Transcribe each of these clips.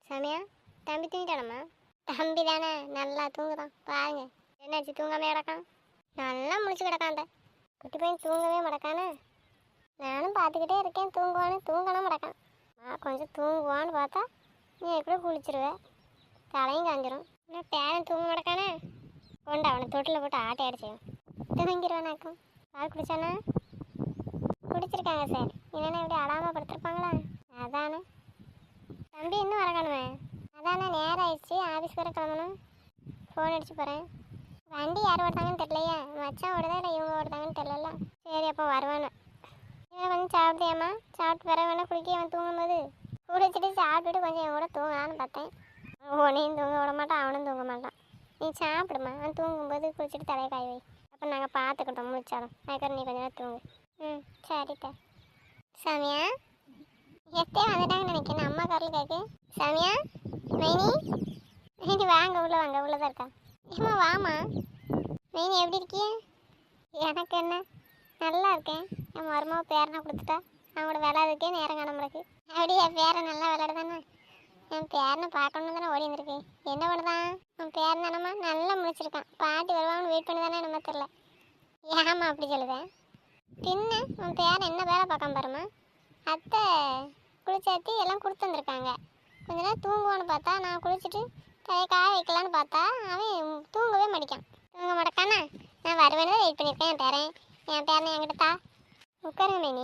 சாமியா, தம்பி தூங்கிட்டானம்மா? தம்பி தானே, நல்லா தூங்குதான் பாருங்க. என்னாச்சு, தூங்காம கிடக்கான்? நல்லா முழிச்சு கிடக்கான்ட. குட்டி பையன் தூங்கவே மாட்டக்கானே. நானும் பார்த்துக்கிட்டே இருக்கேன், தூங்குவான்னு தூங்கணும் மாட்டக்கான். கொஞ்சம் தூங்குவான்னு பார்த்தா நீ எப்படி குளிச்சிருவேன், தலையும் காஞ்சிரும். இன்னும் பேரன் தூங்க மாட்டக்கானே. கொண்டு அவனை தொட்டில் போட்டு ஆட்டை அடிச்சேன், தூங்கிடுவானாக்கும். பால் குடிச்சானா? குடிச்சிருக்காங்க சார். இல்லைன்னா இப்படி அடாமல் படுத்துருப்பாங்களா? அதானே. தம்பி இன்னும் வரக்கானுமே? அதானே, நேரம் ஆயிடுச்சு, ஆஃபீஸ் வர கிளம்பணும். ஃபோன் அடிச்சு போகிறேன். வண்டி யார் ஓடுதாங்கன்னு தெரியலையா? மச்சான் ஓடுதா இல்லை இவங்க ஓடுதாங்கன்னு தெரியல. சரி, அப்போ வருவானு. இவன் கொஞ்சம் சாப்பிட்டியாம்மா? சாப்பிட்டு வர வேணா குளிக்க அவன் தூங்கும்போது. குளிச்சுட்டு சாப்பிட்டுட்டு கொஞ்சம் என் கூட தூங்கலான்னு பார்த்தேன். உன்னையும் தூங்க விட மாட்டான், அவனும் தூங்க மாட்டான். நீ சாப்பிடுமா, அவன் தூங்கும்போது குளிச்சுட்டு தலையை காய் வை. அப்போ நாங்கள் பார்த்துக்கிட்டோம் முடிச்சாலும். அதுக்கப்புறம் நீ கொஞ்சம் நேரம் தூங்கு. ம், சரிக்கா. சாமியா, எத்தே வந்துட்டாங்கன்னு நினைக்கிறேன். அம்மா காரில் கேட்கு. சாமியா, மைனி, மைனி வாங்க, உள்ள வாங்க, உள்ளதான் இருக்கா. ஏம்மா வாமா. மைனி எப்படி இருக்கிய? எனக்கு என்ன, நல்லா இருக்கேன். என் மருமாவை பேரனை கொடுத்துட்டா. அவங்களோட விளையாடுறதுக்கே நேரம் காண முடியாது. அப்படியே என் பேரை நல்லா விளையாடுதானே. என் பேரனை பார்க்கணுன்னு தானே ஓடி வந்திருக்கேன். என்ன பண்ணுதான் உன் பேரன் தானம்மா? நல்லா முடிச்சிருக்கான். பாட்டி வருவாங்கன்னு வெயிட் பண்ணி தானே நம்ம தெரில. ஏம்மா அப்படி சொல்லுவேன்? பின்ன உன் பேரன் என்ன வேலை பார்க்காம பாருமா. அத்தை குளிச்சாத்தி எல்லாம் கொடுத்து வந்திருக்காங்க. கொஞ்ச நேரம் தூங்குவான்னு பார்த்தா, நான் குளிச்சுட்டு தலையை காய வைக்கலான்னு பார்த்தா அவன் தூங்கவே மாட்டேக்கான். தூங்க மாட்டேக்கானா? நான் வருவேன்னு தான் வெயிட் பண்ணியிருக்கேன். என் பேரனை என்கிட்ட தா. உட்காருங்க மேனி.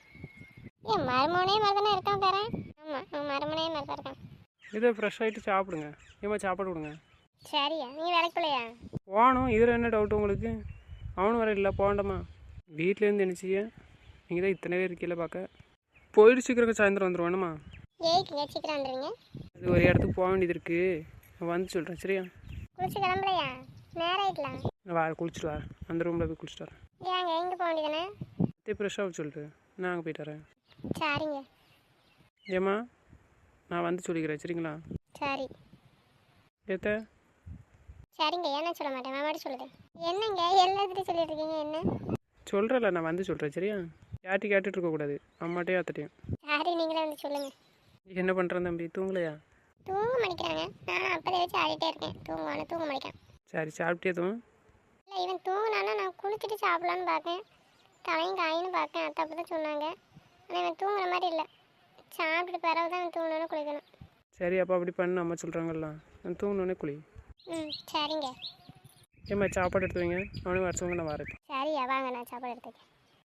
என் மருமனே மாதிரி தானே இருக்கான் பேரன். ஆமாம், அவன் மருமனே மாதிரி தான் இருக்கான். இதை ஃப்ரெஷ் ஆகிட்டு சாப்பிடுங்க. ஏமா சாப்பாடு கொடுங்க. சரியா, நீ வேலைக்கு போலையா? போகணும். இதில் என்ன டவுட்டு உங்களுக்கு? அவனும் வர இல்லை, போகண்டாமா? வீட்டிலேருந்து நினச்சிய நீங்கள் தான் இத்தனை பேர் இருக்கீங்கள பார்க்க. போயிட்டு சீக்கிரம் சாயந்தரம் வந்துடுவானுமா? ஏய்க்குங்க, சீக்கிரம் வந்துடுங்க. அது ஒரு இடத்துக்கு போக வேண்டியது இருக்குது, நான் வந்து சொல்கிறேன். சரியா? குளிச்சு கிளம்பலையா? நேரம் ஆகிடலாம். நான் வா, குளிச்சுட்டு வரேன். அந்த ரூமில் போய் குளிச்சுட்டு வரேன். ஏங்க எங்கே போக வேண்டியதானே? ஃப்ரெஷ்ஷாக சொல்லிட்டு நான் அங்கே போயிட்டு வரேன். சரிங்க. ஏம்மா, நான் வந்து சொல்லிக்கிறேன். சரிங்களா? சரி. ஏத்த சரிங்க, ஏன்னா சொல்ல மாட்டேன், மாமாடி சொல்லுதேன். என்னங்க எல்லாத்துட்டையும் சொல்லிட்டு இருக்கீங்க? என்ன சொல்கிறேன்ல, நான் வந்து சொல்கிறேன். சரியா? யார்ட்டி கேட்டுட்டு இருக்கக்கூடாது, அம்மாட்டையும் அத்தட்டையும். சரி, நீங்களே வந்து சொல்லுங்க. என்ன பண்ணுறேன் தம்பி, தூங்கலையா? தூங்க மாட்டேங்கிறாங்க. நான் அப்போதை வச்சு ஆடிட்டே இருக்கேன். தூங்குவானு தூங்க மாட்டேன். சரி, சாப்பிட்டே தூங்க. இல்லை, இவன் தூங்கினானா நான் குளிச்சுட்டு சாப்பிட்லான்னு பார்க்கேன். தலையும் காயின்னு பார்க்கேன். அத்தை அப்படி தான் சொன்னாங்க. ஆனால் இவன் தூங்குற மாதிரி இல்லை. சாப்பிட்டுட்டு பிறகு தான் இவன் தூங்கணுன்னு குளிக்கணும். சரி, அப்போ அப்படி பண்ணு, அம்மா சொல்கிறாங்கல்ல. நான் தூங்கினோடனே குளி. ம், சரிங்க. ஏம்மா, சாப்பாடு எடுத்து வைங்க. அவனும் வரச்சவங்க நான் வரேன். சரியா, வாங்க, நான் சாப்பாடு எடுத்துக்கேன்.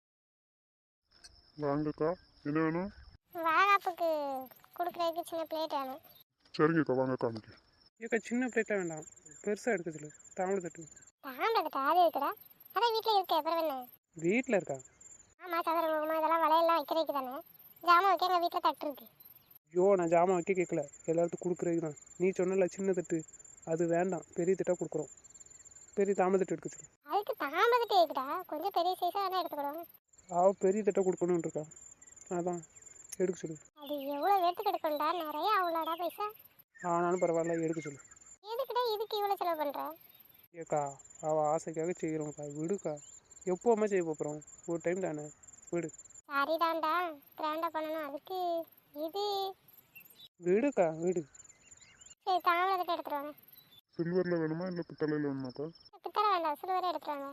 வாங்கக்கா, என்ன வேணும்? வாகாப்புக்கு கொடுக்குறதுக்கு சின்ன பிளேட் வேணும். சரிங்கக்கா, வாங்க காமிக்க. ஏக்கா, சின்ன பிளேட்டாக வேண்டாம், பெருசாக எடுக்க சொல்லு. தாமரை தட்டு. தாண்டதுக்கு ஆதி இருக்குடா. அதான் வீட்டில் இருக்க, அப்புறம் என்ன? வீட்டில் இருக்கா? ஆமாம், சதுர முகமாக இதெல்லாம் வளையெல்லாம் வைக்கிறதுக்கு தானே. ஜாமான் வைக்க எங்கள் வீட்டில் தட்டு இருக்கு. ஐயோ, நான் ஜாமான் வைக்க கேட்கல, எல்லாத்துக்கும் கொடுக்குறதுக்கு தான். நீ சொன்னல சின்ன தட்டு, அது வேண்டாம், பெரிய தட்டாக கொடுக்குறோம். பெரிய தாமரை தட்டு எடுக்க சொல்லு. அதுக்கு தாமதத்தை இருக்குடா, கொஞ்சம் பெரிய சைஸாக வேணால் எடுத்துக்கிடுவோம். அவள் பெரிய தட்டாக கொடுக்கணுன்னு இருக்கா, அதான் எடுக்க சொல்லு. அது எவ்வளோ எடுத்துக்கு எடுக்கணும்டா, நிறைய அவ்வளோடா பைசா. ஆனாலும் பரவாயில்ல, எடுக்க சொல்லு. எதுக்குடா இதுக்கு இவ்வளோ செலவு பண்ணுற? ஏக்கா, அவள் ஆசைக்காக செய்கிறோம்க்கா, விடுக்கா. எப்போவுமே செய்ய போகிறோம், ஒரு டைம் தானே, விடு. சரிதான்டா, கிராண்டாக பண்ணணும். அதுக்கு இது விடுக்கா, விடு. சரி, தாமதத்தை எடுத்துருவாங்க. சில்வரில் வேணுமா இல்லை பித்தளையில் வேணுமாக்கா? பித்தளை வேண்டாம், சில்வரே எடுத்துருவாங்க.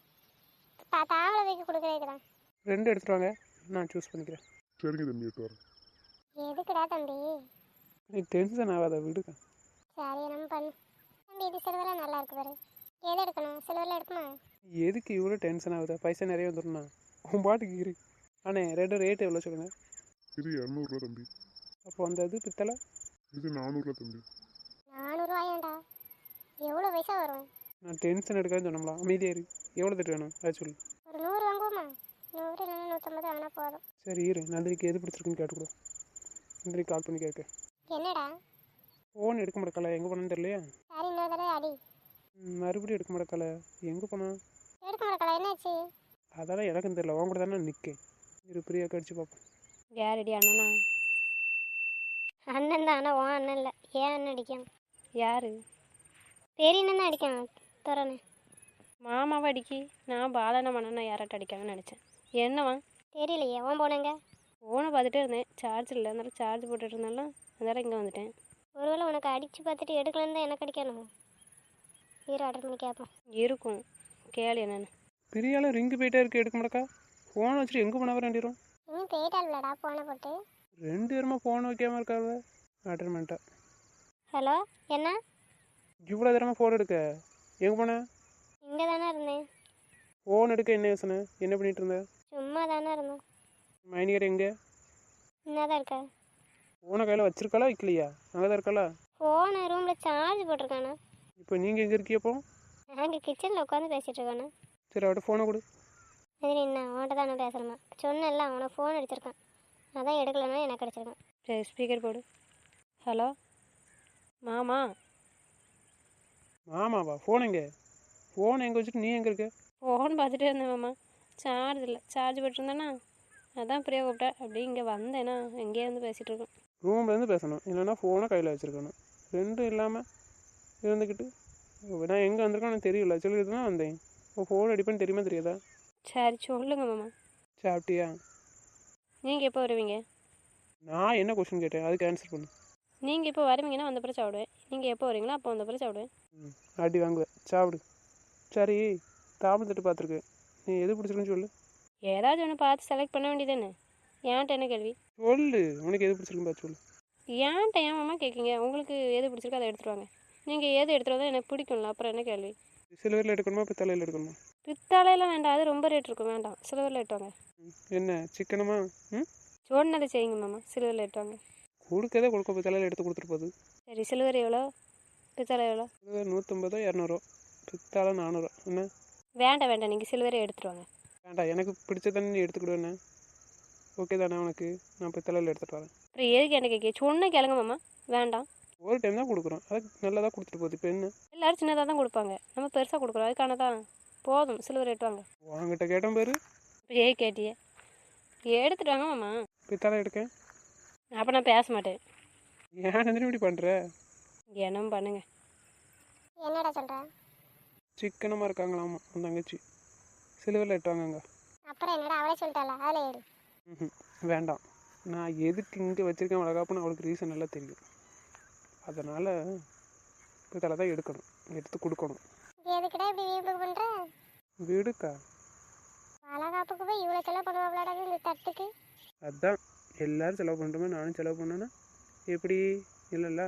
தாமலை வைக்க கொடுக்குறதுக்கு தான். ரெண்டு எடுத்துட்டு வாங்க, நான் சூஸ் பண்ணிக்கிறேன். சரிங்க தம்பி, எடுத்து வரேன். எதுக்குடா தம்பி? நீ டென்ஷன் ஆகாத, விடுக்கா. சரி, நம்ம பண்ணு. தம்பி, இது சில்வராக நல்லா இருக்கு பாரு. எது எடுக்கணும்? சில்வரில் எடுக்குமா? எதுக்கு இவ்வளோ டென்ஷன் ஆகுதா? பைசா நிறைய வந்துடும்ண்ணா, உன் பாட்டுக்கு இரு. அண்ணே, ரெண்டு ரேட்டு எவ்வளோ சொல்லுங்கள். இது 200 தம்பி. அப்போ அந்த இது பித்தளை இது 400 தம்பி. 400 எவ்வளோ பைசா வரும்? நான் டென்ஷன் எடுக்காதுன்னு சொன்னோம்ல, அமைதியாக இரு. எவ்வளோ தட்டு வேணும் அதை சொல்லு. ஒரு 100 வாங்குவோமா? 100 இல்லைன்னா 150 வாங்கினா போதும். சரி இரு, நந்தினிக்கு எது பிடிச்சிருக்குன்னு கேட்டுக்கூட. நந்தினிக்கு கால் பண்ணி கேட்க. என்னடா? ஃபோன் எடுக்க மாட்டேக்கல, எங்கே போனான்னு தெரியலையா? சரி, இன்னொரு தடவை அடி. மறுபடியும் எடுக்க மாட்டேக்கல, எங்கே போனா? எடுக்க மாட்டேக்கல, என்னாச்சு? அதெல்லாம் எனக்கும் தெரியல, உன் கூட தானே நிற்கேன். இரு, பிரியா கடிச்சு பார்ப்போம். யாரடி அண்ணனா? அண்ணன் தான், ஆனால் உன் அண்ணன் இல்லை. ஏன் அண்ணன் அடிக்கான்? யார்? பெரிய அண்ணன் அடிக்கான் துறன்னு. மாமாவை அடிக்கி. நான் பாலன மண்ணா யார்ட்ட அடிக்காங்கன்னு நினச்சேன். என்னவா தெரியலையே, உன் போனங்க. ஃபோனை பார்த்துட்டே இருந்தேன், சார்ஜ் இல்லை, அதனால சார்ஜ் போட்டுட்டு இருந்தாலும் அதனால இங்கே வந்துட்டேன். ஒருவேளை உனக்கு அடித்து பார்த்துட்டு எடுக்கலன்னு தான் எனக்கு அடிக்கணும். ஹீரோ ஆர்டர் பண்ணி கேட்போம். இருக்கும், கேளு என்னன்னு. பெரிய ஆள் ரிங்கு போயிட்டே இருக்கு, எடுக்க மாட்டக்கா. ஃபோன் வச்சுட்டு எங்கே போனவ ரெண்டிரும்? இன்னும் போயிட்டாள்லடா ஃபோனை போட்டு. 2 பேருமா ஃபோன் வைக்காம இருக்காவ. அட்டன் பண்ணிட்டா. ஹலோ, என்ன? இவ்வளோ தரமாக ஃபோன் எடுக்க எங்கே போன? இங்கே தானே இருந்தேன். ஃபோன் எடுக்க என்ன யோசனை? என்ன பண்ணிட்டு இருந்த? சும்மா தானே இருந்தேன். மைனியர் எங்கே? என்ன தான் இருக்க? ஃபோனை கையில் வச்சிருக்காளா வைக்கலையா? அங்கே தான் இருக்காளா? ஃபோனை ரூமில் சார்ஜ் போட்டிருக்கானே. இப்போ நீங்கள் எங்கே இருக்கியப்போ? நாங்கள் கிச்சனில் உட்காந்து பேசிகிட்டு இருக்கானே. சரி, அவட்ட ஃபோனை கொடு. சரி, என்ன அவன்கிட்ட தானே பேசணுமா? சொன்னேன்ல, அவனை ஃபோன் அடிச்சிருக்கான். அதான் எடுக்கலன்னா எனக்கு அடிச்சிருக்கான். சரி, ஸ்பீக்கர் போடு. ஹலோ மாமா. ஆமாவா? ஃபோன் எங்கே? ஃபோன் எங்கே வச்சுட்டு நீ எங்கே இருக்க? ஃபோன் பார்த்துட்டே இருந்தேன் மாமா. சார்ஜ் இல்லை, சார்ஜ் போட்டிருந்தேன்னா அதான் பிரியா கூப்பிட்டா. அப்படியே இங்கே வந்தேன்னா எங்கேயே வந்து பேசிகிட்டு இருக்கோம். ரூம்லேருந்து பேசணும், இல்லைன்னா ஃபோனை கையில் வச்சுருக்கணும். ரெண்டும் இல்லாமல் இருந்துக்கிட்டு நான் எங்கே வந்திருக்கேன்னு எனக்கு தெரியல. சொல்லிட்டு தான் வந்தேன். இப்போ ஃபோன் அடிப்பேன்னு தெரியுமா தெரியாதா? சரி சொல்லுங்கள் மாமா. சாப்பிட்டியா? நீங்கள் எப்போ வருவீங்க? நான் என்ன கொஸ்டின் கேட்டேன், அதுக்கு ஆன்சர் பண்ணு. நீங்கள் எப்போ வருவீங்கன்னா வந்த பிறகு சாப்பிடுவேன். நீங்கள் எப்போ வரீங்களோ அப்போ வந்த பிறகு சாப்பிடுவேன். அடி வாங்குவேன், சாப்பிடு. சரி, தாமரை தட்டு பார்த்துருக்கு, நீ எது பிடிச்சிருக்குன்னு சொல்லு. ஏதாச்சும் ஒன்று பார்த்து செலக்ட் பண்ண வேண்டியதானே. ஏன்ட்ட என்ன கேள்வி? சொல்லு, உனக்கு எது பிடிச்சிருக்குன்னு பார்த்து சொல்லு. ஏன்ட்ட ஏன் மாமா கேட்குங்க? உங்களுக்கு எது பிடிச்சிருக்கோ அதை எடுத்துகிட்டு வாங்க. நீங்கள் எது எடுத்துகிட்டு எனக்கு பிடிக்கும்ல, அப்புறம் என்ன கேள்வி? சில்வரில் எடுக்கணுமா பித்தளையில் எடுக்கணுமா? பித்தாலையெல்லாம் வேண்டாம், அது ரொம்ப ரேட் இருக்கும், வேண்டாம். சில்வரில் எடுத்துவாங்க. என்ன சிக்கனமா? சொன்னதை செய்யுங்க மாமா, சில்வரில் எடுத்துவாங்க. கொடுக்கதே கொடுக்க, பித்தளையில் எடுத்து கொடுத்துட்டு போகுது. சரி, சில்வர் எவ்வளோ, பித்தாலை எவ்வளோ? 150 200, பித்தாளை 400. என்ன? வேண்டாம் வேண்டாம், நீங்கள் சில்வரே எடுத்துகிட்டு வாங்க. வேண்டாம், எனக்கு பிடிச்சதானே நீ எடுத்துக்கிடுவேண்ணே. ஓகே தானே உனக்கு? நான் பித்தளையில் எடுத்துகிட்டு வரேன். அப்புறம் எதுக்கு என்ன கேட்க? சொன்ன கேளுங்க மாமா. வேண்டாம், ஒரு டைம் தான் கொடுக்குறோம், அதுக்கு நல்லதாக கொடுத்துட்டு போகுது. இப்போ என்ன? எல்லோரும் சின்னதாக தான் கொடுப்பாங்க, நம்ம பெருசாக கொடுக்குறோம். அதுக்கான தான் போதும், சில்வர் எடுத்துவாங்க. உங்ககிட்ட கேட்டேன் பேர். இப்போ ஏ கேட்டியே, எடுத்துட்டு வாங்க மாமா. பித்தாளை எடுக்கேன். அப்போ நான் பேச மாட்டேன். ஏன் நந்தினி இப்படி பண்ணுற? என்னம் பண்ணுங்க. என்னடா சொல்கிற? சிக்கனமாக இருக்காங்களாமா அந்த தங்கச்சி. சிலுவரில் எட்டுவாங்கங்க. அப்புறம் என்னடா, அவளே சொல்லிட்டாளா? அதில் ஏறு. வேண்டாம், நான் எதுக்கு இங்கே வச்சுருக்கேன் வளகாப்புன்னு அவளுக்கு ரீசன் எல்லாம் தெரியும். அதனால் பித்தளை தான் எடுக்கணும், எடுத்து கொடுக்கணும். எதுக்கிட்ட இப்படி வீம்புக்கு பண்ணுற? விடுக்கா, வளகாப்புக்கு போய் இவ்வளோ செலவு பண்ணுவாங்களாடா இந்த தட்டுக்கு? அதுதான் எல்லோரும் செலவு பண்ணுறோமே, நானும் செலவு பண்ணேன்னா எப்படி? இல்லைல்ல,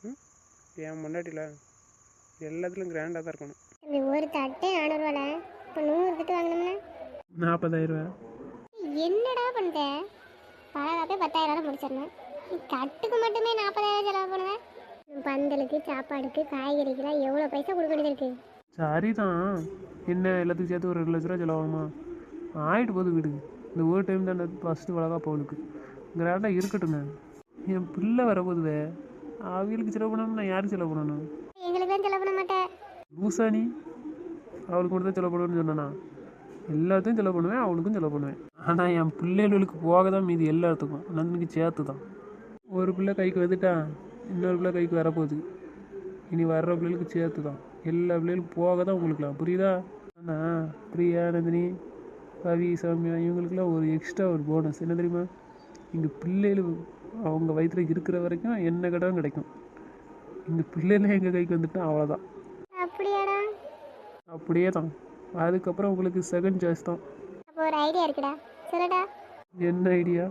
என் முன்னாடியில் எல்லாத்துலேயும் கிராண்டாக தான் இருக்கணும். இந்த ஒரு தட்டே 400 ரூபாய். இப்போ 100 தட்டு வாங்கினோம்னா 40,000. என்னடா பண்ணுற? வளகாப்பே 10,000 முடிச்சிடணும். நீ தட்டுக்கு மட்டுமே 40,000 செலவு பண்ணுவேன். பந்தலுக்கு, சாப்பாடுக்கு, காய்கறிக்கெல்லாம் எவ்வளோ பைசா கொடுக்க வேண்டியது இருக்குது. சரிதான், என்ன எல்லாத்துக்கும் சேர்த்து ஒரு 2 லட்ச ரூபா செலவாகுமா? ஆகிட்டு போகுது வீடு. இந்த ஒரு டைம் தான் ஃபஸ்ட்டு வளகாப்பு அவளுக்கு. கிராண்டாக இருக்கட்டுங்க. என் பிள்ளை வரப்போதுவே, அவங்களுக்கு செலவு பண்ணணும், நான் யாருக்கு செலவு பண்ணணும்? எங்களுக்கு தான் செலவு பண்ண மாட்டேன். லூசா நீ? அவளுக்கு மட்டும் தான் செலவு பண்ணுவேன்னு சொன்னானா? எல்லாத்தையும் செலவு பண்ணுவேன், அவளுக்கும் செலவு பண்ணுவேன். ஆனால் என் பிள்ளைகளுக்கு போக தான் மீதி எல்லாத்துக்கும், நந்தினிக்கு சேர்த்து தான். ஒரு பிள்ளை கைக்கு வந்துட்டா, இன்னொரு பிள்ளை கைக்கு வரப்போகுது. இனி வர்ற பிள்ளைகளுக்கு சேர்த்து தான், எல்லா பிள்ளைகளுக்கும் போக தான் உங்களுக்குலாம், புரியுதா? ஆனால் பிரியா, நந்தினி, பவி, சௌமியா இவங்களுக்குலாம் ஒரு எக்ஸ்ட்ரா ஒரு போனஸ் என்ன தெரியுமா? இங்கே பிள்ளைகள் அவங்க வயிற்றில் இருக்கிற வரைக்கும் என்ன கடன் கிடைக்கும். இந்த பிள்ளைலாம் எங்கள் கைக்கு வந்துட்டா அவ்வளோதான். அப்படியாடா? அப்படியே தான். அதுக்கப்புறம் உங்களுக்கு செகண்ட் சாய்ஸ் தான். அப்போ ஒரு ஐடியா இருக்குடா, சொல்லுடா. என்ன ஐடியா?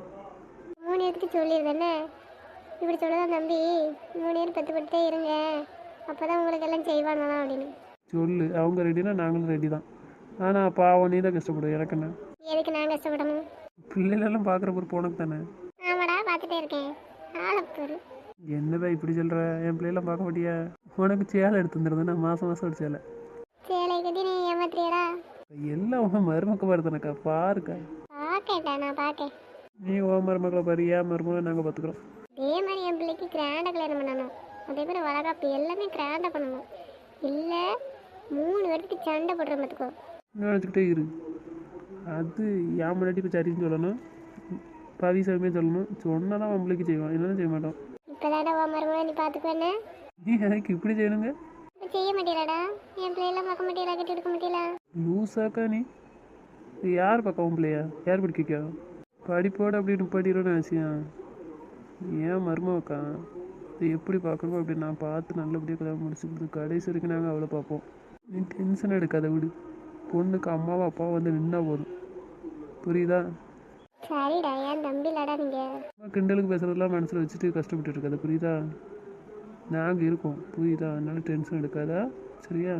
3 இடத்துக்கு சொல்லிடுறேன்னே. இப்படி சொல்லதான் தம்பி, 3 பேர் பெற்றுப்பட்டுட்டே இருங்க, அப்போ தான் உங்களுக்கு எல்லாம் செய்வாங்களாம் அப்படின்னு சொல்லு. அவங்க ரெடினா நாங்களும் ரெடி தான். ஆனால் பாவம் நீ தான் கஷ்டப்படும், எனக்கு என்ன? எதுக்கு நான் கஷ்டப்படணும்? பிள்ளைகளெல்லாம் பார்க்குற பொறுப்பு உனக்கு தானே. ஆமாடா, பார்த்துட்டே இருக்கேன். ஆளப்பொரு என்னதான் இப்படி சொல்கிற? என் பிள்ளைலாம் பார்க்க மாட்டியா? உனக்கு சேலை எடுத்து வந்துடுது, நான் மாதம் மாதம் ஒரு சேலை. சேலை கட்டி நீ ஏமாத்துறியடா? எல்லாம் உன் மருமக்க பாருதானக்கா, பாருக்கா. பார்க்கேன்டா, நான் பார்க்கேன். நீ உன் மருமக்களை பாரு, ஏன் மருமகளை நாங்கள் பார்த்துக்குறோம். அதே மாதிரி என் பிள்ளைக்கு கிராண்டாக கல்யாணம் பண்ணணும். அதே மாதிரி வளகாப்பு எல்லாமே கிராண்டாக பண்ணணும். இல்லை 3 பேருக்கு சண்டை போடுற பார்த்துக்கோ. நினச்சிக்கிட்டே இரு. அது என் முன்னாடி இப்போ சரின்னு சொல்லணும், பவி சாமியே சொல்லணும். சொன்னால் தான் நம்மளுக்கு செய்வான், இல்லைன்னா செய்ய மாட்டோம். இப்போ தானே உன் மருமகளை நீ பார்த்துக்குவேன்னு. நீ எனக்கு இப்படி செய்யணுங்க? இப்போ செய்ய மாட்டீங்களாடா? என் பிள்ளையெல்லாம் பார்க்க மாட்டீங்களா? கட்டி எடுக்க மாட்டீங்களா? லூஸாக்கா நீ? யார் பக்கம் பிள்ளையா? யார் படிக்கா? படிப்போடு அப்படின்னு படிக்கிறோன்னு நினச்சியா? ஏன் மருமக்கா இது எப்படி பார்க்கணுமோ அப்படி நான் பார்த்து நல்லபடியாக கல்யாணம் முடிச்சு கொடுத்து கடைசி வரைக்கும் நாங்கள் அவளை பார்ப்போம். நீ டென்ஷன் எடுக்காத விடு. பொண்ணுக்கு அம்மாவும் அப்பாவும் வந்து நின்னா போதும். புரியுதா? சரிடா, ஏன் தம்பிலடா நீங்க. அம்மா கிண்டலுக்கு பேசுகிறதெல்லாம் மனசில் வச்சுட்டு கஷ்டப்பட்டு இருக்காது. புரியுதா? நாங்கள் இருக்கோம். புரியுதா? அதனால டென்ஷன் எடுக்காதா? சரியா?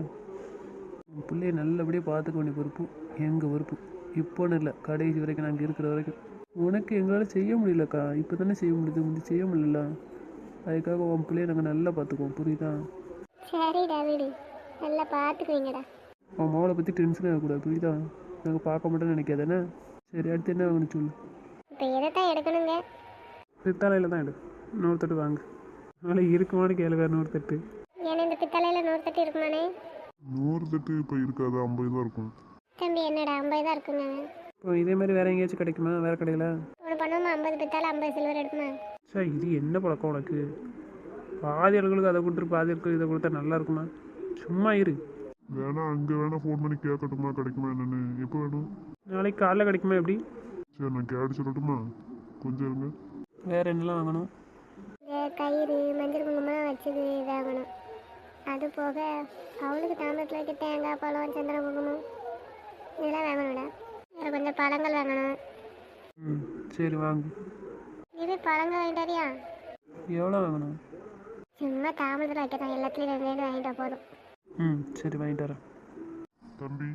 உன் பிள்ளைய நல்லபடியாக பார்த்துக்க வேண்டிய பொறுப்பு எங்கள் பொறுப்பு. இப்போன்னு இல்லை, கடைசி வரைக்கும் நாங்கள் இருக்கிற வரைக்கும். உனக்கு எங்களால் செய்ய முடியலக்கா. இப்போ தானே செய்ய முடியுது, முந்தி செய்ய முடியல. அதுக்காக உன் பிள்ளைய நாங்கள் நல்லா பார்த்துக்குவோம். புரியுதா? சரிடா விடு, நல்லா பார்த்துக்குவீங்கடா. உன் மகளை பற்றி டென்ஷன் ஆகக்கூடாது. புரியுதா? நாங்கள் பார்க்க மாட்டோம்னு நினைக்காதானே? சரி, அடுத்து என்ன வாங்கன்னு சொல்லு. இப்போ எதை தான் எடுக்கணுங்க? பித்தாளையில் தான் எடு. 100 தட்டு வாங்க. அதனால் இருக்குமானு கேளு. வேறு 100 தட்டு. ஏன்னா இந்த பித்தளையில் 100 தட்டு இருக்குமானே? 100 தட்டு இப்போ இருக்காது, 50 தான் இருக்கும். தம்பி என்னடா 50 தான் இருக்குங்க. இப்போ இதே மாதிரி வேறு எங்கேயாச்சும் கிடைக்குமா? வேறு கடையில்? ஒன்று பண்ணுவோமா? 50 பித்தாளை 50 சில்வர் எடுக்குமா? சார், இது என்ன பழக்கம் உனக்கு? பாதி ஆளுகளுக்கு அதை கொடுத்துட்டு பாதி ஆட்களுக்கு இதை கொடுத்தா நல்லா இருக்குமா? சும்மா இரு. வேணா அங்கே வேணா ஃபோன் பண்ணி கேட்கட்டுமா கிடைக்குமா என்னன்னு? எப்போ வேணும்? நாளைக்கு காலைல கிடைக்குமா? எப்படி? சரி, நான் கேட்டு சொல்லட்டுமா? கொஞ்சம் இருங்க. வேறு என்னலாம் வாங்கணும்? இந்த கயிறு மஞ்சள் குங்குமம் வச்சது இதாகணும். அது போக அவளுக்கு தாமரத்தில் வைக்க தேங்காய் பழம் சந்திர குங்குமம் இதெல்லாம் வாங்கணும்டா. வேறு கொஞ்சம் பழங்கள் வாங்கணும். ம், சரி வாங்க. இது பழங்கள் வாங்கிட்டாரியா? எவ்வளோ வாங்கணும்? சும்மா தாமரத்தில் வைக்கிறோம், எல்லாத்துலேயும் 2 வாங்கிட்டா போதும். ம், சரி வாங்கிட்டு வரேன். தம்பி,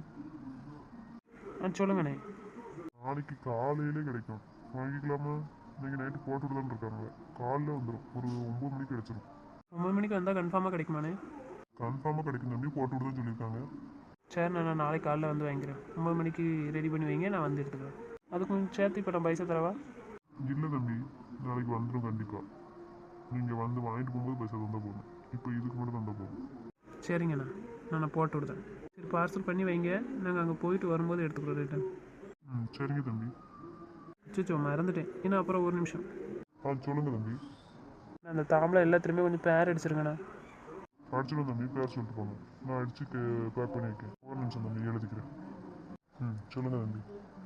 சொல்லுங்கண்ணே. நாளைக்கு காலையிலே கிடைக்கும், வாங்கிக்கலாமா? நீங்கள் நைட்டு போட்டு தான் இருக்காங்க. காலைல வந்துடும், ஒரு 9 மணிக்கு கிடச்சிரும். 9 மணிக்கு வந்தால் கன்ஃபார்மாக கிடைக்குமாண்ணே? கன்ஃபார்மாக கிடைக்கும் தம்பி, போட்டு விட்டு தான் சொல்லியிருக்காங்க. சரி, நான் நாளைக்கு காலைல வந்து வாங்கிக்கிறேன். 9 மணிக்கு ரெடி பண்ணி வைங்க, நான் வந்து எடுத்துக்கிறேன். அதுக்கு கொஞ்சம் சேர்த்து இப்போ நான் பைசா தரவா? இல்லை தம்பி, நாளைக்கு வந்துடும் கண்டிப்பாக. நீங்கள் வந்து வாங்கிட்டு போகும்போது பைசா தந்தால் போதும். இப்போ இதுக்கு மட்டும் தந்தால் போதும். சரிங்கண்ணா, நான் போட்டு விடுதேன். சரி, பார்சல் பண்ணி வைங்க, நாங்கள் அங்கே போயிட்டு வரும்போது எடுத்துக்கிறோம் ரிட்டன். ம், சரிங்க தம்பி. அச்சோ, மறந்துட்டேன். இன்னும் அப்புறம் ஒரு நிமிஷம். சொல்லுங்கள் தம்பி. நான் அந்த தாம்பளை எல்லாத்துலேயுமே கொஞ்சம் பேர் அடிச்சிருங்கண்ணா. அடிச்சிடும் தம்பி, பேர் சொல்லிட்டு போங்க. நான் அடித்து பேக் பண்ணி வைக்கேன். ஒரு நிமிஷம் தம்பி, எழுதிக்கிறேன். ம், சொல்லுங்கள் தம்பி.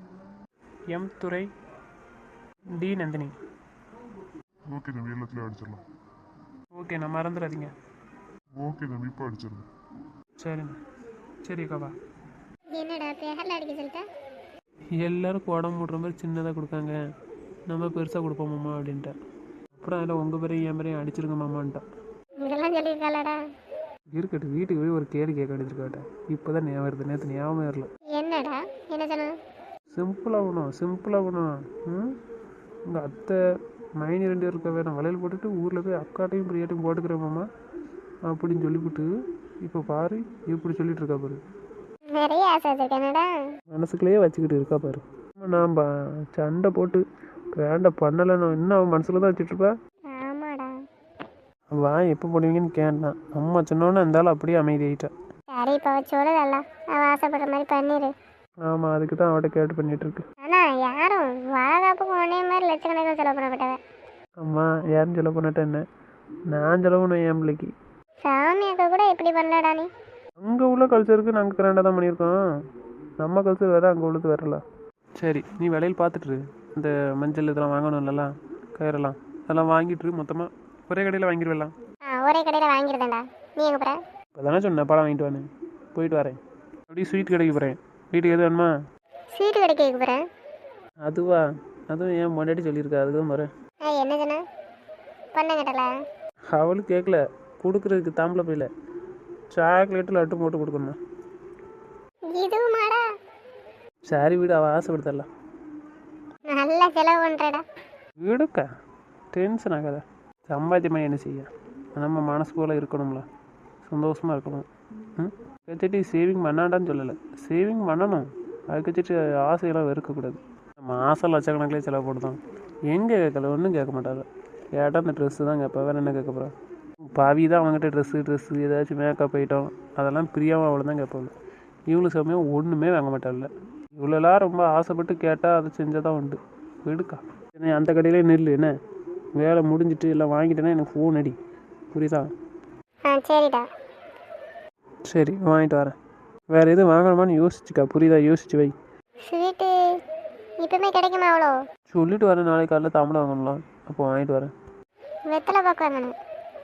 M Durai, T Nandini. Okay தம்பி, எல்லாத்துலேயும் அடிச்சிடலாம். ஓகே, நான் மறந்துடாதீங்க. ஓகே தம்பி, இப்போ அடிச்சிடலாம். சரிண்ணா. சரி அக்காவா. என்னடா பேரில் அடிக்க சொல்லிட்டா? எல்லாருக்கும் உடம்பு மூடுற மாதிரி சின்னதாக கொடுக்காங்க, நம்ம பெருசாக கொடுப்போமாம்மா அப்படின்ட்டா. அப்புறம் அதில் உங்கள் பேரையும் என் பேரையும் அடிச்சிருங்க மாமான்ட்டான். இதெல்லாம் சொல்லியிருக்காளடா? இருக்கட்டும், வீட்டுக்கு போய் ஒரு கேள்வி கேட்க அடிச்சிருக்காட்ட. இப்போ தான் ஞாபகம் வருது, நேற்று ஞாபகம் வரல. என்னடா என்ன சொன்ன? சிம்பிளாகணும். ம், உங்கள் அத்தை மைனி 2 பேரும் இருக்க வேணும் வளையல் போட்டுட்டு ஊரில் போய் அக்காட்டையும் பிரியாட்டையும் போட்டுக்கிறேன் மாமா அப்படின்னு சொல்லிவிட்டு இப்போ பாரு இப்படி சொல்லிட்டு இருக்கா பாரு. நிறைய ஆசை வச்சிருக்கேனடா. மனசுக்குள்ளேயே வச்சுக்கிட்டு இருக்கா பாரு. நான் சண்டை போட்டு வேண்ட பண்ணலைன்னு இன்னும் அவன் மனசில் தான் வச்சுட்ருப்பா. ஆமாடா. வா எப்போ போடுவீங்கன்னு கேட்டான். அம்மா சொன்னோன்னே இருந்தாலும் அப்படியே அமைதி ஆகிட்டா. சரி, இப்போ சொல்லுதல்ல, அவள் ஆசைப்படுற மாதிரி பண்ணிடு. ஆமாம், அதுக்கு தான் அவட்ட கேட்டு பண்ணிகிட்ருக்கு. ஆனால் யாரும் வாழாப்புக்கு ஒன்னே மாதிரி லட்சக்கணக்கில் செலவு பண்ணப்பட்டவன். அம்மா யாரும் செலவு பண்ணட்டா என்ன, நான் செலவு பண்ணுவேன் என் பிள்ளைக்கு. சாமி அக்கா கூட இப்படி பண்ணலடா நீ. அங்கே உள்ள கல்ச்சருக்கு நாங்கள் கிராண்டாக தான் பண்ணியிருக்கோம். நம்ம கல்ச்சர் வேறு, அங்கே உள்ளது வேறல. சரி, நீ விலையில் பார்த்துட்டு இந்த மஞ்சள் இதெல்லாம் வாங்கணும்ல, கயிறெல்லாம் அதெல்லாம் வாங்கிட்டு மொத்தமாக ஒரே கடையில் வாங்கிடுவேலாம். ஒரே கடையில் வாங்கிடுதேன்டா. நீ எங்கே போகிற? இப்போ தானே சொன்னேன் பழம் வாங்கிட்டு வானு. போயிட்டு வரேன். அப்படியே ஸ்வீட் கடைக்கு போகிறேன். வீட்டுக்கு எது வேணுமா? ஸ்வீட்டு கடைக்கு வைக்க போகிறேன். அதுவா? அதுவும் ஏன் முன்னாடி சொல்லியிருக்கா, அதுக்கு தான் போகிறேன். என்ன சொன்ன? பண்ண கேட்டல? அவளுக்கு கேட்கல, கொடுக்குறதுக்கு தாம்பளை போயில சாக்லேட்டு லட்டு போட்டு கொடுக்கணுமா? இதுவுமாடா? சரி வீடு, அவள் ஆசைப்படுத்தலாம். நல்லா செலவு பண்ணுறடா. வீடுக்கா டென்ஷன் ஆகாத. சம்பாத்தியமாக என்ன செய்ய, நம்ம மனசு போல் இருக்கணும்ல, சந்தோஷமாக இருக்கணும். ம், வச்சுட்டு சேவிங் பண்ணாண்டான்னு சொல்லலை, சேவிங் பண்ணணும். அதுக்கு வச்சுட்டு ஆசையெல்லாம் வெறுக்கக்கூடாது. நம்ம ஆசை லட்சக்கணக்கிலே செலவு போடுதோம். எங்கே கேட்கல, ஒன்றும் கேட்க மாட்டாங்க. கேட்டால் அந்த ட்ரெஸ்ஸு தான் கேட்பேன், வேறு என்ன கேட்க போகிறேன். பாவி தான் அவங்ககிட்ட ட்ரெஸ்ஸு ஏதாச்சும் மேக்கப் ஐட்டம் அதெல்லாம் பிரியாமல் அவ்வளோ தான் கேட்பாங்க. இவ்வளோ சமயம் ஒன்றுமே வாங்க மாட்டாள்ல. இவ்வளோலாம் ரொம்ப ஆசைப்பட்டு கேட்டால் அதை செஞ்சால் தான் உண்டு. எடுக்கா என்ன அந்த கடையிலே நெல் என்ன வேலை முடிஞ்சிட்டு எல்லாம் வாங்கிட்டேன்னா எனக்கு ஃபோன் அடி, புரியுதா? சரிடா. சரி வாங்கிட்டு வரேன். வேறு எதுவும் வாங்கணுமான்னு யோசிச்சுக்கா, புரியுதா? யோசிச்சு வை. ஸ்வீட்டு இப்போமே கிடைக்குமா? அவ்வளோ சொல்லிட்டு வரேன், நாளைக்கு காலையில் தாம்பளம் வாங்கலாம், அப்போ வாங்கிட்டு வரேன். வெத்தலை பாக்கு வாங்கணும்.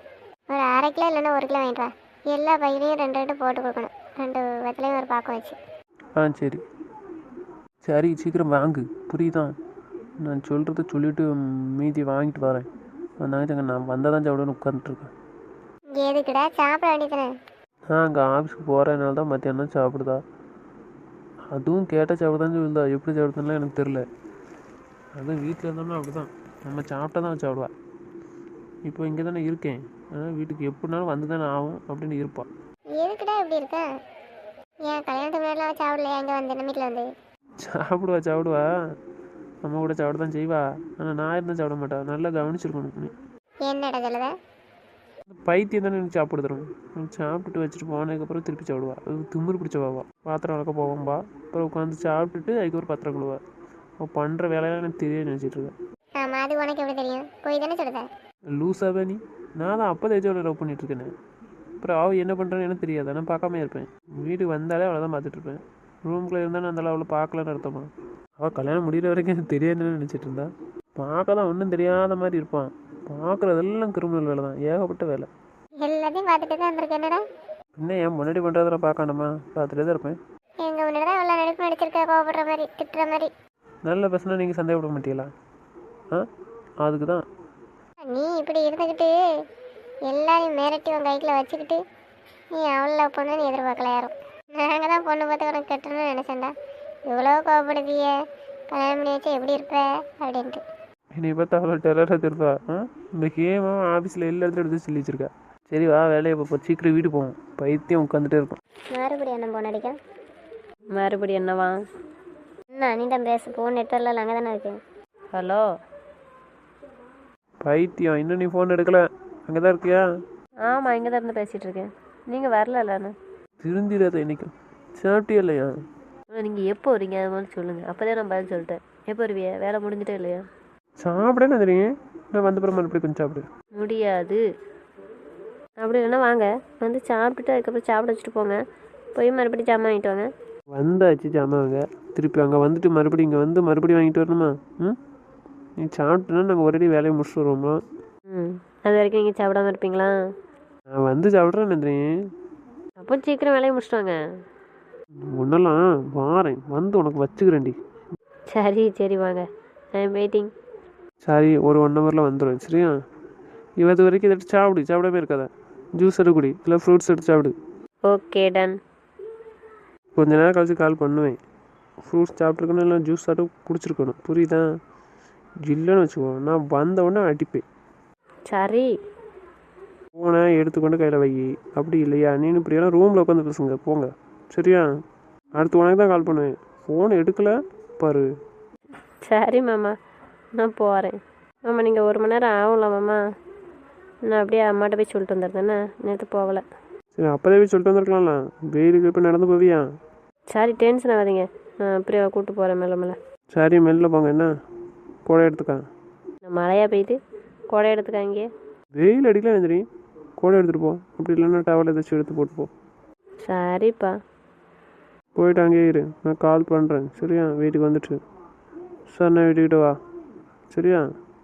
ஒரு 1/2 கிலோ இல்லைன்னா 1 கிலோ வாங்கிட்டு வா. எல்லா பையிலையும் 2 போட்டு கொடுக்கணும். 2 வெத்தலையும் ஒரு பாக்கம் வச்சு. ஆ சரி சரி சீக்கிரம் வாங்கு புரியுதா? நான் சொல்கிறத சொல்லிவிட்டு மீதி வாங்கிட்டு வரேன். வந்தாங்க நான் வந்தால் தான் சாப்பிடுன்னு உட்காந்துட்ருக்கேன். எதுக்குடா சாப்பிட வேண்டியதானே? அங்கே ஆஃபீஸ்க்கு போகிறதுனால தான் மத்தியானம் சாப்பிடுதா. அதுவும் கேட்டால் சாப்பிடுதான்னு சொல்லுதா. எப்படி சாப்பிடுதுன்னா எனக்கு தெரில. அதுவும் வீட்டில் இருந்தோம்னா அப்படி தான். நம்ம சாப்பிட்டா தான் சாப்பிடுவா. இப்போ இங்கே தானே இருக்கேன். அதனால் வீட்டுக்கு எப்படினாலும் வந்து தானே ஆகும் அப்படின்னு இருப்பாள். எதுக்குடா இப்படி இருக்க? ஏன் கல்யாணத்துக்கு முன்னாடிலாம் சாப்பிடலையா? இங்கே வந்து நம்ம வீட்டில் வந்து சாப்பிடுவா அம்மா கூட சாப்பிட தான் செய்வா. ஆனால் நான் இருந்தால் சாப்பிட மாட்டா. நல்லா கவனிச்சிருக்கணும் நீ. என்னடா சொல்லுத? பைத்தியம் தானே எனக்கு சாப்பிட தரும். சாப்பிட்டுட்டு வச்சுட்டு போனதுக்கப்புறம் திருப்பி சாப்பிடுவா. அது திமிரு பிடிச்சவாவா. பாத்திரம் வளர்க்க போவோம்பா. அப்புறம் உட்காந்து சாப்பிட்டுட்டு அதுக்கப்புறம் பாத்திரம் கழுவா. அவள் பண்ணுற வேலையெல்லாம் எனக்கு தெரியாது நினச்சிட்டு இருக்கேன். ஆமாம், அது உனக்கு எப்படி தெரியும்? போய் தானே சொல்லுத. லூஸாவே நீ. நான் தான் அப்போ தேஜோட லவ் பண்ணிகிட்ருக்கேனே. அப்புறம் அவள் என்ன பண்ணுறான்னு எனக்கு தெரியாது. நான் பார்க்காம இருப்பேன். வீட்டுக்கு வந்தாலே அவளை தான் பார்த்துட்ருப்பேன். ரூம்குள்ளே இருந்தால் நான் அந்த அவளை பார்க்கலன்னு அர்த்தமா? அவள் கல்யாணம் முடிகிற வரைக்கும் எனக்கு தெரியாதுன்னு நினச்சிட்டு இருந்தா. பார்க்க தான் ஒன்றும் தெரியாத மாதிரி இருப்பான். பார்க்குறதெல்லாம் கிரிமினல் வேலை தான். ஏகப்பட்ட வேலை. எல்லாத்தையும் பார்த்துட்டு தான் இருந்திருக்கேன். என்னடா இன்னும் என் முன்னாடி பண்ணுறதெல்லாம் பார்க்காண்டமா? பார்த்துட்டே தான் இருப்பேன். எங்கள் முன்னாடி தான் எவ்வளோ நடிப்பு நடிச்சிருக்க, கோவப்படுற மாதிரி, திட்டுற மாதிரி. நல்ல பசங்க நீங்கள் சந்தேகப்பட மாட்டீங்களா? அதுக்கு தான். நீ இப்படி இருந்துக்கிட்டு எல்லாரையும் மிரட்டி உன் கைக்கில் வச்சுக்கிட்டு நீ அவ்வளோ லவ் பண்ணுன்னு எதிர்பார்க்கல யாரும். நாங்கள் தான் பொண்ணு பார்த்து உனக்கு கட்டணும்னு நினச்சேன்டா. இவ்வளோ கோவப்படுதிய, கல்யாணம் பண்ணி வச்சா எப்படி இருப்ப அப்படின்ட்டு. என்னை பார்த்தா அவ்வளோ டெரராக திருப்பா. இந்த கேமாக ஆஃபீஸில் எல்லா இடத்துல எடுத்து சொல்லி வச்சிருக்கா. சரி வா வேலையை இப்போ சீக்கிரம் வீடு போவோம். பைத்தியம் உட்காந்துட்டே இருக்கும். மறுபடியும் என்ன போன் அடிக்க? மறுபடியும் என்னவா? என்ன நீ தான் பேச, ஃபோன் நெட்வொர்க்கில் அங்கே தானே இருக்கேன். ஹலோ. பைத்தியம் இன்னும் நீ ஃபோன் எடுக்கல. அங்கே தான் இருக்கியா? ஆமாம், இங்கே தான் இருந்து பேசிகிட்டு இருக்கேன். நீங்கள் வரலண்ணா? திருந்திடாத இன்னைக்கும். சாப்பிட்டியா இல்லையா? நீங்கள் எப்போ வரீங்க அது மாதிரி சொல்லுங்கள். அப்போ தான் நான் பதில் சொல்லிட்டேன். எப்போ வருவியா? வேலை முடிஞ்சிட்டே இல்லையா? சாப்பிடன்னு தெரியும். நான் வந்த அப்புறம் மறுபடியும் கொஞ்சம் சாப்பிடு. முடியாது. அப்படி இல்லைன்னா வாங்க, வந்து சாப்பிட்டுட்டு அதுக்கப்புறம் சாப்பிட வச்சுட்டு போங்க. போய் மறுபடியும் ஜாமான் வாங்கிட்டு வாங்க. வந்தாச்சு ஜாமான் வாங்க. திருப்பி அங்கே வந்துட்டு மறுபடியும் இங்கே வந்து மறுபடியும் வாங்கிட்டு வரணுமா? நீ சாப்பிட்டோன்னா நாங்கள் ஒரேடி வேலையை முடிச்சுட்டு வருவோமா? அது வரைக்கும் நீங்கள் சாப்பிடாம இருப்பீங்களா? நான் வந்து சாப்பிட்றேன்னு தெரியும். அப்போ சீக்கிரம் வேலையை முடிச்சுட்டு வாங்க. ஒன்றெல்லாம் வாரேன் வந்து உனக்கு வச்சுக்கிறேன்டி. சரி சரி வாங்க. I am waiting. சரி ஒரு 1 ஹவரில் வந்துடும். சரியா? இவது வரைக்கும் இதை எடுத்து சாப்பிடு. சாப்பிடாம இருக்காத. ஜூஸ் எடுத்து குடி, இல்லை ஃப்ரூட்ஸ் எடுத்து சாப்பிடு. Okay done. கொஞ்ச நேரம் கழிச்சு கால் பண்ணுவேன். ஃப்ரூட்ஸ் சாப்பிட்ருக்கணும், இல்லை ஜூஸ் சாப்பிட்டு குடிச்சிருக்கணும். புரியுதா? இல்லைன்னு வச்சுக்கோ, நான் வந்த உடனே அடிப்பேன். சரி. ஃபோனை எடுத்துக்கொண்டு கையில் வை. அப்படி இல்லையா நீனு இப்படியெல்லாம் ரூமில் உட்காந்து பேசுங்க போங்க. சரியா? அடுத்து உனக்கு தான் கால் பண்ணுவேன். ஃபோன் எடுக்கலை பாரு. சரி மாமா, நான் போகிறேன். ஆமாம், நீங்கள் 1 மணி நேரம் ஆகும்ல மாமா? நான் அப்படியே அம்மாட்ட போய் சொல்லிட்டு வந்துடுறேண்ணே. நேற்று போகலை. சரி அப்போதே போய் சொல்லிட்டு வந்துருக்கலாம்ல. வெயிலுக்கு இப்போ நடந்து போவியா? சரி டென்ஷன் ஆகாதீங்க. நான் அப்படியே கூப்பிட்டு போகிறேன் மேலே மேலே. சரி மெல்ல போங்க. என்ன கூட எடுத்துக்கா. நான் மழையாக பெய்யுது, கொடை எடுத்துக்காங்க. வெயில் அடிக்கலாம் தெரியும். கூட எடுத்துகிட்டு போ. அப்படி இல்லைன்னா டவல் ஏதாச்சும் எடுத்து போட்டு போ. சரிப்பா. போயிட்டு அங்கேயே இரு. நான் கால் பண்ணுறேன். சரியா? வீட்டுக்கு வந்துட்டு சார் நான் வீட்டுக்கிட்ட வா. சரியா?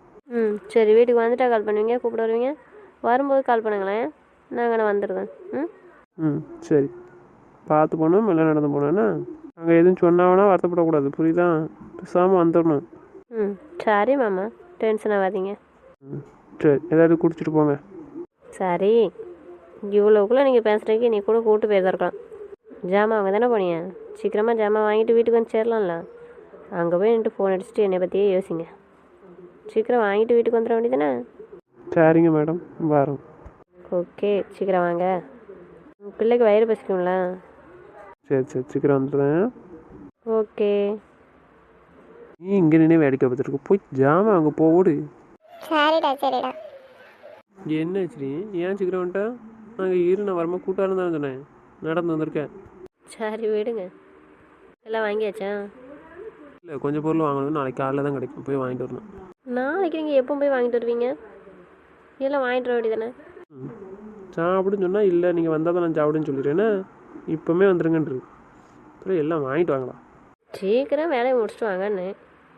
சரி, வீட்டுக்கு வந்துட்டா கால் பண்ணுவீங்க, கூப்பிட வருவீங்க. வரும்போது கால் பண்ணுங்களேன், நாங்கள் வந்துடுவேன். சரி பார்த்து போனோம். மெல்ல நடந்து போனேன்னா அங்கே எதுவும் சொன்னாங்கன்னா வருத்தப்படக்கூடாது. புரியுதா? பேசாமல் வந்துடணும். சரி மாமா, டென்ஷன் ஆகாதீங்க. சரி ஏதாவது குடிச்சிட்டு போங்க. சரி, இவ்வளோக்குள்ளே நீங்கள் பேசுகிறதுக்கு நீ கூட கூப்பிட்டு போயிருக்கலாம். ஜாமான் அங்கே தானே போனீங்க. சீக்கிரமாக ஜாமான் வாங்கிட்டு வீட்டுக்கு வந்து சேரலாம்ல. அங்கே போய் நின்று ஃபோன் அடிச்சுட்டு என்னை பற்றியே யோசிங்க. சீக்கிரம் வாங்கிட்டு வீட்டுக்கு வந்துட வேண்டியதானே? சரிங்க மேடம், வரோம். ஓகே, சீக்கிரம் வாங்க. பிள்ளைக்கு வயிறு பசிக்கும்ல. சரி சரி சீக்கிரம் வந்துடுறேன். ஓகே. நீ இங்கே நின்று வேடிக்கை பார்த்துருக்கு. போய் ஜாமான் அங்கே போடு. சரிடா சரிடா. என்ன சரி ஏன் சீக்கிரம் வந்துட்டா? நாங்கள் இரு, நான் வரமா கூட்டாலும் தானே சொன்னேன். நடந்து வந்திருக்கேன். சரி விடுங்க. எல்லாம் வாங்கியாச்சா? இல்லை கொஞ்சம் பொருள் வாங்கணும். நாளைக்கு காலையில் தான் கிடைக்கும். போய் வாங்கிட்டு வரணும். நாளைக்கு நீங்கள் எப்போ போய் வாங்கிட்டு வருவீங்க? எல்லாம் வாங்கிட்டு வர வேண்டியதானே? சாப்பிடுன்னு சொன்னால் இல்லை நீங்கள் வந்தால் தான் நான் சாப்பிடுன்னு சொல்லிடுறேன்னா இப்போமே வந்துருங்கன்று. அப்புறம் எல்லாம் வாங்கிட்டு வாங்கலாம். சீக்கிரம் வேலையை முடிச்சுட்டு வாங்கன்னு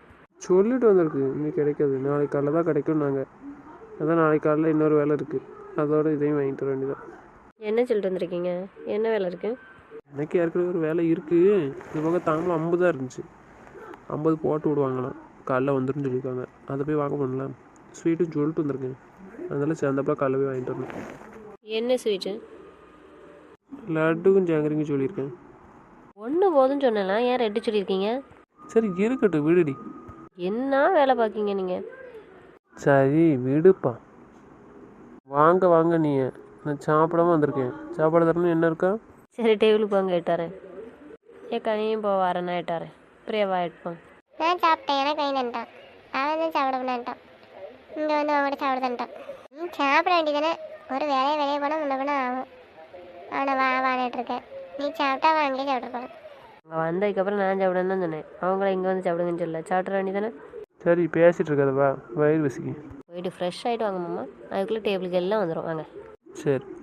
சொல்லிட்டு வந்திருக்கு. இன்னைக்கு கிடைக்காது, நாளைக்கு காலையில் தான் கிடைக்கும். நாங்கள் அதான் நாளைக்கு காலையில் இன்னொரு வேலை இருக்குது. அதோட இதையும் வாங்கிட்டு வர வேண்டியதான். என்ன சொல்லிட்டு வந்திருக்கீங்க? என்ன வேலை இருக்குது? எனக்கு ஏற்கனவே ஒரு வேலை இருக்குது. இந்த பக்கம் தாம்பளம் 50 தான் இருந்துச்சு. 50 போட்டு விடுவாங்களாம். காலைல வந்துருன்னு சொல்லியிருக்காங்க. அதை போய் வாங்க பண்ணலாம். ஸ்வீட்டுன்னு சொல்லிட்டு வந்திருக்கேன். அதெல்லாம் சேர்ந்தப்பறம் காலைல போய் வாங்கிட்டு வரணும். என்ன ஸ்வீட்டு? லட்டுக்கும் ஜாங்கிரிக்கும் சொல்லியிருக்கேன். ஒன்று போதும்னு சொன்னலாம், ஏன் 2 சொல்லியிருக்கீங்க? சரி இருக்கட்டும் விடுடி. என்ன வேலை பார்க்கீங்க நீங்கள்? சரி விடுப்பா. வாங்க வாங்க நீ. நான் சாப்பிடாம வந்திருக்கேன். சாப்பாடு தரணும் என்ன இருக்கா? சரி டேபிளுக்கு போங்க எட்டாரேன். ஏன் கனியும் போ வரேன் நான் எட்டாரேன். பிரியாவா எட்டுப்போம். நான் சாப்பிட்டேன், எனக்கு கை தந்துட்டான். அவன் தான் சாப்பிட பண்ணான்ட்டான். இங்கே வந்து அவங்கள்ட்ட சாப்பிட தந்துட்டான். சாப்பிட வேண்டியதானே. ஒரு வெளியே போனால் முன்ன பின்ன ஆகும். அவனை வாங்கிட்டு இருக்கேன். நீ சாப்பிட்டா அவன் அங்கேயே சாப்பிட்ருப்பான். அங்கே வந்ததுக்கப்புறம் நான் சாப்பிடுன்னு தான் சொன்னேன். அவங்கள இங்கே வந்து சாப்பிடுங்கன்னு சொல்ல சாப்பிட வேண்டியதானே. சரி பேசிகிட்டு இருக்காத வா, வயிறு வசிக்கு. போயிட்டு ஃப்ரெஷ் ஆகிட்டு வாங்க மாமா. அதுக்குள்ளே டேபிளுக்கு எல்லாம் வந்துடும் வாங்க. சரி.